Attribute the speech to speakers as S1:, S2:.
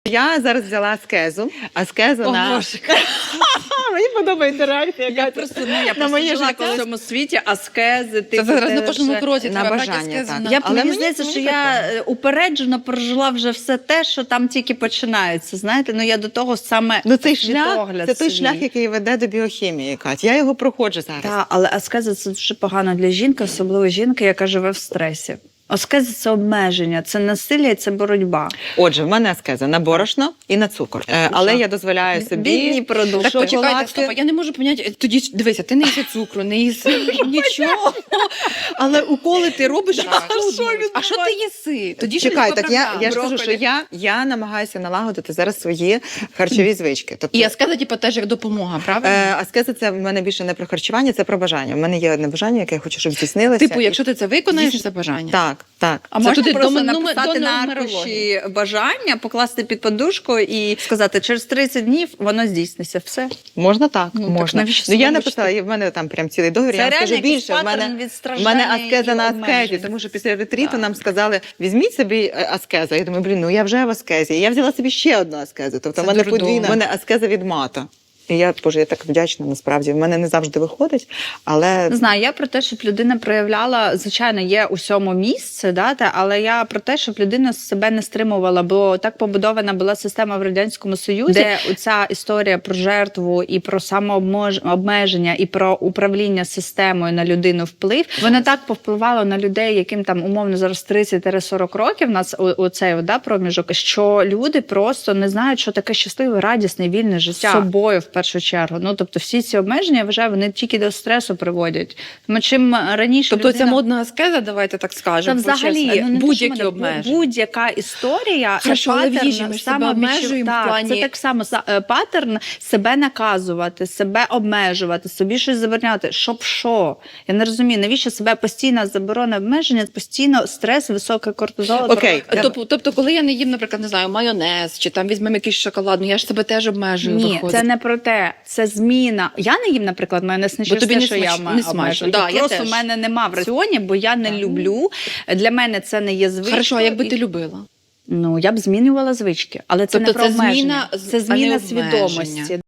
S1: Я зараз взяла аскезу. Аскезу на... Мені подобається реакція.
S2: Я просто жила в цьому світі, аскези.
S3: Це зараз на кожному кроці
S1: на
S3: треба
S1: бажання,
S3: брати аскезу.
S1: так.
S2: Мені здається, що я упереджено прожила вже все те, що там тільки починається. Знаєте, ну я до того саме
S1: Цей шлях,
S2: світогляд
S1: це той
S2: свій.
S1: шлях, який веде до біохімії, Кать. Я його проходжу зараз.
S2: Так, але аскеза – це дуже погано для жінки, особливо жінки, яка живе в стресі. Аскеза – це обмеження, це насилля і це боротьба.
S1: Отже, в мене аскеза на борошно і на цукор. Але я дозволяю собі...
S2: Бідні продукти.
S3: Так, почекайте,
S1: шоколадки.
S3: стоп, я не можу поняти. Тоді, дивися, ти не їси цукру, не їси нічого. Але уколи ти робиш, щоб схуднути. А що ти їси? Тоді що
S1: Чекай,
S3: тебе
S1: так я
S3: програма?
S1: ж кажу, що я намагаюся налагодити зараз свої харчові звички. Тобто,
S3: І аскеза, типу, теж як допомога, правильно?
S1: аскеза – це в мене більше не про харчування, це про бажання. У мене є одне бажання, яке я хочу, щоб здійснилося.
S3: Типу, якщо ти це виконаєш, це бажання.
S1: Так, так.
S2: А
S3: Це
S2: можна
S3: туди
S2: просто
S3: до
S2: написати на
S3: нумерології.
S2: аркуші бажання, покласти під подушку і сказати, через 30 днів воно здійсниться. Все.
S1: Можна так,
S2: Ну, так
S1: можна.
S2: навіщо
S1: Ну, я
S2: себе
S1: написала, і в мене там прям цілий договір,
S2: Це
S1: я вам
S2: реально
S1: скажу
S2: якийсь
S1: більше. В
S2: паттерн
S1: мене,
S2: від
S1: в
S2: страждання
S1: мене аскеза
S2: і
S1: на
S2: обмежень.
S1: аскезі, тому що після ретріту нам сказали, візьміть собі аскезу. Я думаю, ну я вже в аскезі. І я взяла собі ще одну аскезу. Тобто
S3: Це
S1: в мене
S3: дурдом.
S1: подвійна. В мене аскеза від мата. І я так вдячна, насправді. В мене не завжди виходить, але...
S2: Не знаю, я про те, щоб людина проявляла, звичайно, є усьому місце, але я про те, щоб людина себе не стримувала, бо так побудована була система в Радянському Союзі, де ця історія про жертву і про самообмеження, і про управління системою на людину вплив, вона так повпливала на людей, яким там умовно зараз 30-40 років, у нас оцей проміжок, що люди просто не знають, що таке щасливе, радісне, вільне життя. З собою, в першу чергу. Ну, тобто всі ці обмеження, я вважаю, вони тільки до стресу приводять. Тому чим раніше
S3: Тобто
S2: людина...
S3: ця модна аскеза, давайте так
S2: Та
S3: скажемо,
S2: взагалі,
S3: почесно,
S2: не
S3: будь-які
S2: те, що
S3: обмеження.
S2: будь-яка історія,
S3: Хорошо, але в їжі ми ж себе
S2: самовідчуття.
S3: обмежуємо в плані-
S2: Це так само паттерн себе наказувати, себе обмежувати, собі щось забороняти. Щоб що? Я не розумію, навіщо себе постійна заборона обмеження, постійно стрес, високий кортизол.
S1: Окей.
S3: Тобто, коли я не їм, наприклад, не знаю, майонез, чи там візьмемо якийсь шоколад, ну я ж себе теж обмежую.
S2: Ні,
S3: виходить.
S2: це не про те, це зміна. Я не їм, наприклад, майонез не через
S3: тобі
S2: те,
S3: не
S2: що я
S3: смачно, не смачно.
S2: обмежую.
S3: Да, я
S2: Просто
S3: теж.
S2: в мене нема в раціоні, бо я не люблю. Для мене це не є звичкою.
S3: Хорошо, а якби
S2: І-
S3: ти любила?
S2: Ну, я б змінювала звички. Але це
S3: Тобто
S2: не про
S3: це
S2: обмеження.
S3: зміна,
S2: Це
S3: а не
S2: зміна
S3: обмеження.
S2: свідомості.